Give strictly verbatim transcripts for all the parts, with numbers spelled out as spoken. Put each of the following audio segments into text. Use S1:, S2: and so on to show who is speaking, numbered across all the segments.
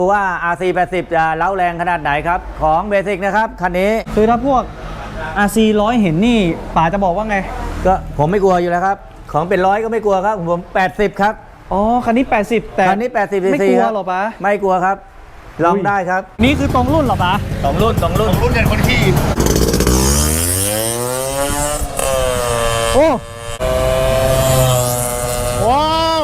S1: ดูว่า อาร์ ซี แปดสิบ จะเล้าแรงขนาดไหนครับของเบสิกนะครับคันนี้
S2: คือถ้าพวก อาร์ ซี ร้อยเห็นนี่ป๋าจะบอกว่าไง
S1: ก็ผมไม่กลัวอยู่แล้วครับของเป็นร้อยก็ไม่กลัวครับผมแปดสิบครับ
S2: อ๋อคันนี้แปดสิบแต่
S1: คันนี้แปดสิบ
S2: ไม่กลัวหรอป๋า
S1: ไม่กลัวครับลองได้ครับ
S2: นี่คือตรงรุ่นหรอป๋า
S1: ตรงรุ่นตรงรุ่น
S3: ตรงรุ่นเนี่ยคนขี่
S2: โอ้ว้าว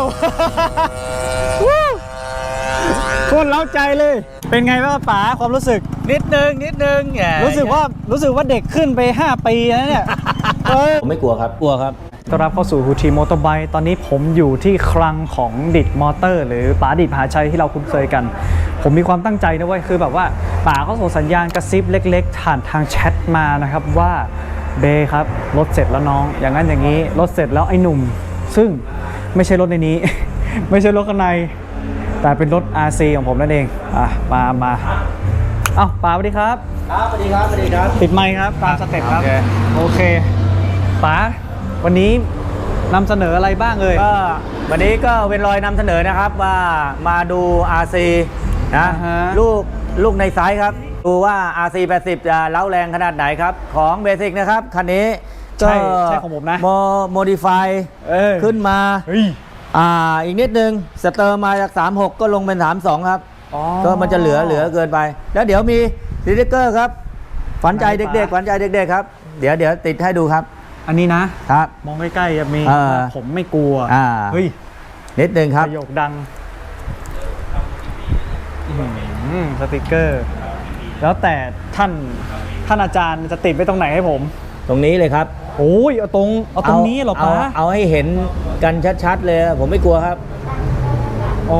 S2: โคตรเล้าใจเลยเป็นไงบ้างป๋าความรู้สึก
S1: นิดนึงนิดนึง
S2: รู้สึกว่ารู้สึกว่าเด็กขึ้นไปห้าปีแล้วเนี่ย
S1: ผมไม่กลัวครับกลัวครับ
S2: ต้อนรับเข้าสู่ฮูทีมอเตอร์ไบค์ตอนนี้ผมอยู่ที่คลังของดิดมอเตอร์หรือป๋าดิดมหาชัยที่เราคุ้นเคยกันผมมีความตั้งใจนะเว้ยคือแบบว่าป๋าก็ส่งสัญญาณกระซิบเล็กๆผ่านทางแชทมานะครับว่าเบครับรถเสร็จแล้วน้องอย่างนั้นอย่างนี้รถเสร็จแล้วไอ้หนุ่มซึ่งไม่ใช่รถในนี้ ไม่ใช่รถข้างในแต่เป็นรถ อาร์ ซี ของผมนั่นเองอ่ะมามาเอ้าป๋าสวัสดีครับ
S1: ครับสวัสดีครับสวัสดีครับ
S2: ติดไมค์ครับตามสเต็ปครับโอเคป๋าวันนี้นำเสนออะไรบ้างเลย
S1: ก็วันนี้ก็เป็นรอยนำเสนอนะครับว่ามาดู อาร์ ซี นะลูกลูกในไซส์ครับดูว่า อาร์ ซี แปดสิบ จะเล้าแรงขนาดไหนครับของเบสิกนะครับคันนี้
S2: ใช่ใช่ของผมนะ
S1: โมดิฟายขึ้นมาอ่าอีกนิดนึงสเตอร์มาจากสามสิบหกก็ลงเป็นสามสิบสองครับก็มันจะเหลือเหลือเกินไปแล้วเดี๋ยวมีสติ๊กเกอร์ครับฝันใจเด็กๆฝันใจเด็กๆครับเดี๋ยวเดี๋ยวติดให้ดูครับ
S2: อันนี้นะครับมองใกล้ๆจะมีผมไม่กลัวเฮ้ย
S1: นิดนึงครับ
S2: ประโยคดังสติ๊กเกอร์แล้วแต่ท่านท่านอาจารย์จะติดไว้ตรงไหนให้ผม
S1: ตรงนี้เลยครับ
S2: โอ้ยเอาตรงเอาตรงนี้เหรอป้า
S1: เอาให้เห็นกันชัดๆเลยผมไม่กลัวครับ
S2: อ๋อ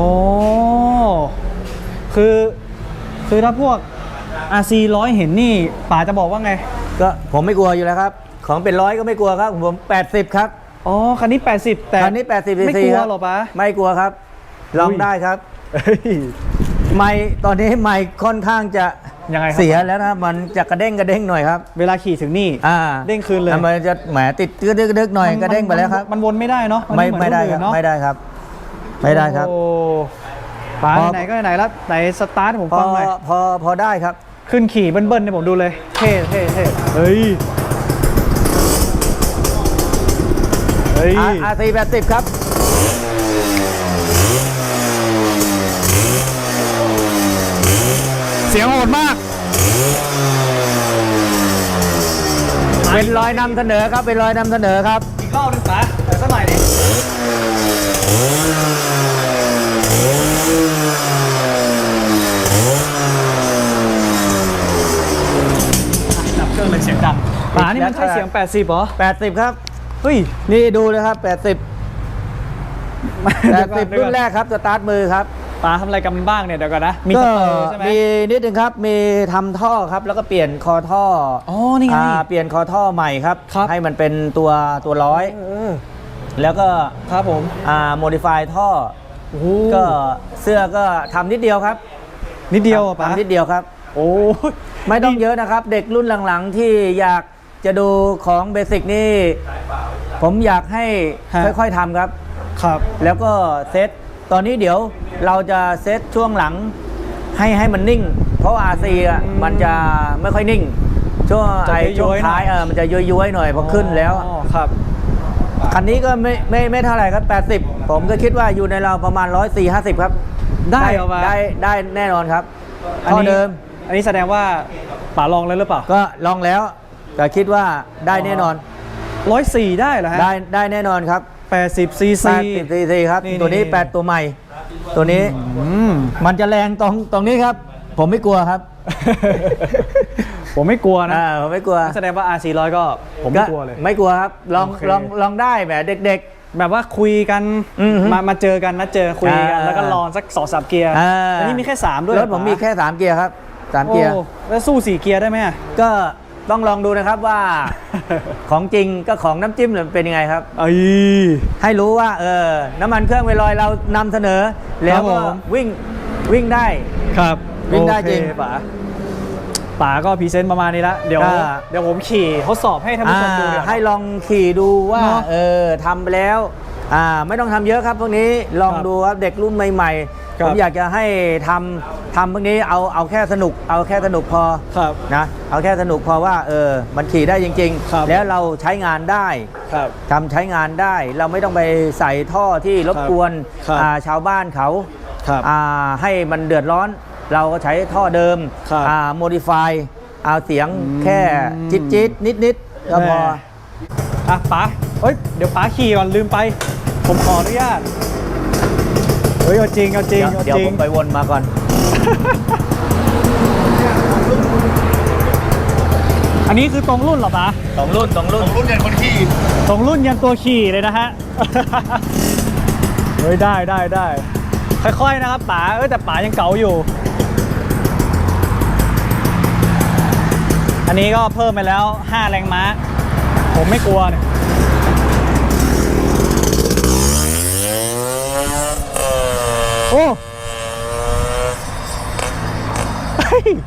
S2: คือคือถ้าพวก อาร์ ซี ร้อยเห็นนี่ป๋าจะบอกว่าไง
S1: ก็ผมไม่กลัวอยู่แล้วครับของเป็นร้อยก็ไม่กลัวครับผมแปดสิบครับ
S2: อ๋อคันนี้แปดสิบแต่
S1: คันนี้แปดสิบ
S2: ไม่กลัวหรอป้า
S1: ไม่กลัวครับลองได้ครับไม่ตอนนี้ไม่ค่อนข้างจะ
S2: ยังไง
S1: เสียแล้วนะมันจะกระเด้งกระเด้งหน่อยครับ
S2: เวลาขี่ถึงนี่เด้งคืนเลย
S1: มันจะแหมติดกระดึกกระดึกหน่อยกระเด้งไปแล้วครับ
S2: มันวนไม่ได้เนาะ
S1: ไม่ไม่ได้ครับไม่ได้ครับไม่ได้ครับ
S2: โอ้ป๋าไหนก็ไหนแล้วไหนสตาร์ทผมฟังหน่อย
S1: พอพอได้ครับ
S2: ขึ้นขี่เบิ้ลๆเนี่ยผมดูเลยเท่เท่เท่เฮ้ยเฮ้ย
S1: อาร์ ซี แปดสิบครับ
S2: เสียงโหดมาก
S1: เป็นรอยนำเสนอครับเป็นรอยนำเสนอครับ
S2: อีกรอบนึงป๋าแต่สักหน่อยดิดับเครื่องเลยเสียงดังป๋านี่มันใช่เสียงแปดสิบเหรอ
S1: แปดสิบครับ
S2: เฮ้ย
S1: นี่ดูเลยครับแปดสิบ แปดสิบรุ่นแรกครับสตาร์ทมือครับ
S2: ป๋าทำอะไรกันบ้างเนี่ยเดี๋ยวก่อนนะ
S1: มีสเตอร์ใช่ไหมมีนิดนึงครับมีทำท่อครับแล้วก็เปลี่ยนคอท่อ
S2: อ๋อนี่ไง
S1: เปลี่ยนคอท่อใหม่ครับให้มันเป็นตัวตัวร้อยแล้วก็
S2: ครับผม
S1: อ่าโมดิฟายท่อก็เสื้อก็ทำนิดเดียวครับ
S2: นิดเดียวป๋า
S1: ทำนิดเดียวครับ
S2: โอ้
S1: ไม่ต้องเยอะนะครับเด็กรุ่นหลังๆที่อยากจะดูของเบสิกนี่ผมอยากให้ค่อยๆทำครับ
S2: ครับ
S1: แล้วก็เซตตอนนี้เดี๋ยวเราจะเซตช่วงหลังให้ให้มันนิ่งเพราะ อาร์ ซี อ่ะมันจะไม่ค่อยนิ่งช่วงไอ้ช่วงท้ายเออมันจะย้อยๆหน่อยพอขึ้นแล้ว
S2: ครับ
S1: คันนี้ก็ไม่ไม่ไม่เท่าไหร่ครับแปดสิบผมก็คิดว่าอยู่ในเราประมาณหนึ่งร้อยสี่สิบ ห้าสิบครับ
S2: ได้
S1: ได้ได้แน่นอนครับ
S2: อันนี้เดิมอันนี้แสดงว่าป๋าลองแล้วหรือเปล่า
S1: ก็ลองแล้วแต่คิดว่าได้แน่นอน
S2: หนึ่งร้อยสี่ได้เหรอฮะ
S1: ได้ได้แน่นอนครับ
S2: แปดสิบซีซี
S1: แปดสิบซีซีครับตัวนี้แปดตัวใหม่ตัวนี้มันจะแรงตรงตรงนี้ครับผมไม่กลัวครับ
S2: ผมไม่กลัวนะ
S1: ผมไม่กลัว
S2: แสดงว่า อาร์ ซี ร้อยก็ผมไม่กลัวเลย
S1: ไม่กลัวครับลองลองลองได้แบบเด็ก
S2: ๆแบบว่าคุยกันมามาเจอกันนะเจอคุยกันแล้วก็ลองสักสองสามเกียร์อันนี้มีแค่สามด้วย
S1: รถผมมีแค่สามเกียร์ครับสามเกียร์
S2: แล้วสู้สี่เกียร์ได้ไหม
S1: ก็ต้องลองดูนะครับว่าของจริงก็ของน้ำจิ้มหรือเป็นยังไงครับให้รู้ว่าเออน้ำมันเครื่องเวลอยเรานำเสนอแล้วก็วิ่งวิ่งได้
S2: ครับ
S1: วิ่งได้จริง
S2: ป๋าป๋าก็พรีเซนต์ประมาณนี้ละเดี๋ยวเดี๋ยวผมขี่ทดสอบให้ท่านผู้ชมดู
S1: ให้ลองขี่ดูว่าเออทำไปแล้วอ่าไม่ต้องทำเยอะครับพวกนี้ลอง
S2: ครับ
S1: ดูครับเด็กรุ่นใหม่ๆ
S2: ครั
S1: ผ
S2: บ
S1: มอยากจะให้ทำทำพวกนี้เอาเอาแค่สนุกเอาแค่สนุกพอ
S2: ครับ
S1: นะเอาแค่สนุกพอว่าเออมันขี่ได้จริง
S2: ครับ
S1: ๆ แล้วเราใช้งานได้
S2: ครับ
S1: ทำใช้งานได้เราไม่ต้องไปใส่ท่อที่รบกวน
S2: ครับ
S1: อ่าชาวบ้านเขา
S2: ครับ
S1: อ่าให้มันเดือดร้อน เราก็ใช้ท่อเดิม
S2: ครับ
S1: อ่าโมดิฟายเอาเสียง
S2: อืม
S1: แค่จิ๊ดจิ๊ดนิดนิดๆก็พอ
S2: แม่ อ่ะป๋าเฮ้ย เดี๋ยวป๋าขี่ก่อนลืมไป ผมขออนุญาต เฮ้ย เอาจริง เอาจริง
S1: เดี๋ยว
S2: เอา
S1: เดี๋ยว
S2: จริ
S1: ผ
S2: ง
S1: มไปวนมาก่อน
S2: อันนี้คือตรงรุ่นเหรอป๋า
S1: สองรุ่นสองรุ่น
S3: รุ่นใหญ่คนขี่
S2: ตรงรุ่นยันตัวขี่เลยนะฮะ เฮ้ย ได้ได้ได้ ค่อยๆนะครับป๋าเอ้ยแต่ป๋ายังเก๋าอยู่ อันนี้ก็เพิ่มไปแล้วห้าแรงม้า ผมไม่กลัวเนี่ย โอ้เฮ้ย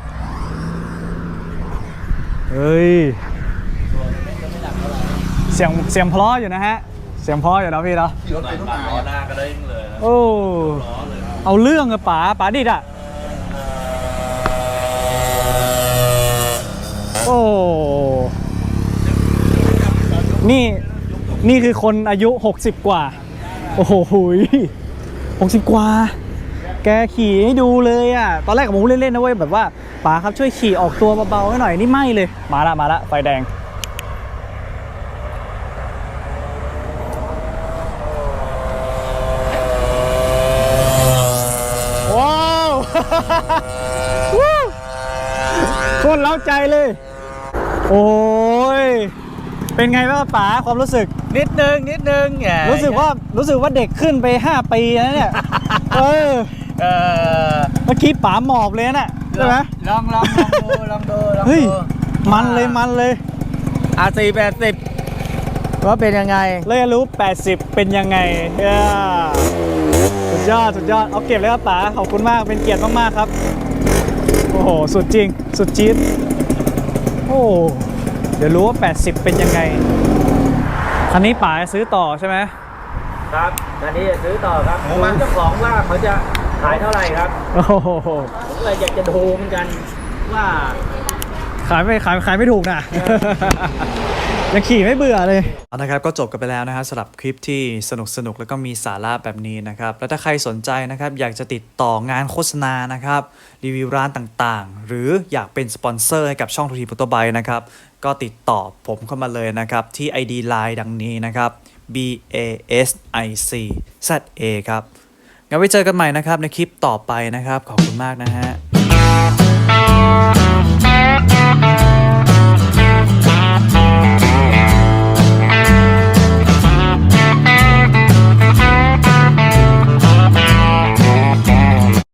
S2: เฮ้ย เสียงเสียงเพราะอยู่นะฮะ เสียงเพราะอยู่นะพี่เนาะ
S3: รถเป็นรถล้อหน้าก็ได้เลยนะ
S2: โอ้ เอาเรื่องอะป๋าป๋าดิดอะโอ้ นี่ นี่คือคนอายุ หกสิบ กว่า โอ้โหหุยหกสิบ กว่า แกขี่ให้ดูเลยอะตอนแรกผมเล่นๆนะเว้ยแบบว่าป๋าครับช่วยขี่ออกตัวเบาๆให้หน่อย นี่ไม่เลย มาละมาละไฟแดง ว้าว วู้โคตรเล้าใจเลย โอ้ย เป็นไงบ้างป๋าความรู้สึก
S1: นิดนึงนิดนึงแหม
S2: รู้สึกว่ารู้สึกว่าเด็กขึ้นไปห้าปีนะเนี่ย เออ
S1: เออ
S2: เมื่อกี้ป๋าหมอบเลยนะใช่ไหม
S1: ลองลองลองดูลองดูลอง
S2: เฮ้ย
S1: ดู
S2: มันเลยมันเลย
S1: อาสี่แปดสิบว่าเป็นยังไง
S2: เลยรู้ แปดสิบ เป็นยังไงเย้สุดยอด สุดยอด เอาเก็บเลยครับป๋า ขอบคุณมาก เป็นเกียรติมากๆครับ โอ้โห สุดจริง สุดจี๊ดโอ้ เดี๋ยวรู้ว่า แปดสิบ เป็นยังไง คันนี้ป๋าซื้อต่อใช่ไหม
S1: ครับตอนนี้จะซื้อต่อครับดูเจ้าของว่าเขาจะขายเท่าไหร่ครับ
S2: โอ้โห
S1: ผมเลยอยากจะดูเหมือนกันว่า
S2: ขายไม่ขายขายไม่ถูกนะ ยังขี่ไม่เบื่อเลย
S4: เอานะครับก็จบกันไปแล้วนะฮะสำหรับคลิปที่สนุกสนุกแล้วก็มีสาระแบบนี้นะครับแล้วถ้าใครสนใจนะครับอยากจะติดต่องานโฆษณานะครับรีวิวร้านต่างๆ หรืออยากเป็นสปอนเซอร์ให้กับช่องทูทีมอเตอร์ไบค์นะครับก็ติดต่อผมเข้ามาเลยนะครับที่ ไอ ดี ไลน์ ดังนี้นะครับ B A S I C Z A ครับงั้นไว้เจอกันใหม่นะครับในคลิปต่อไปนะครับขอบคุณมากนะฮะ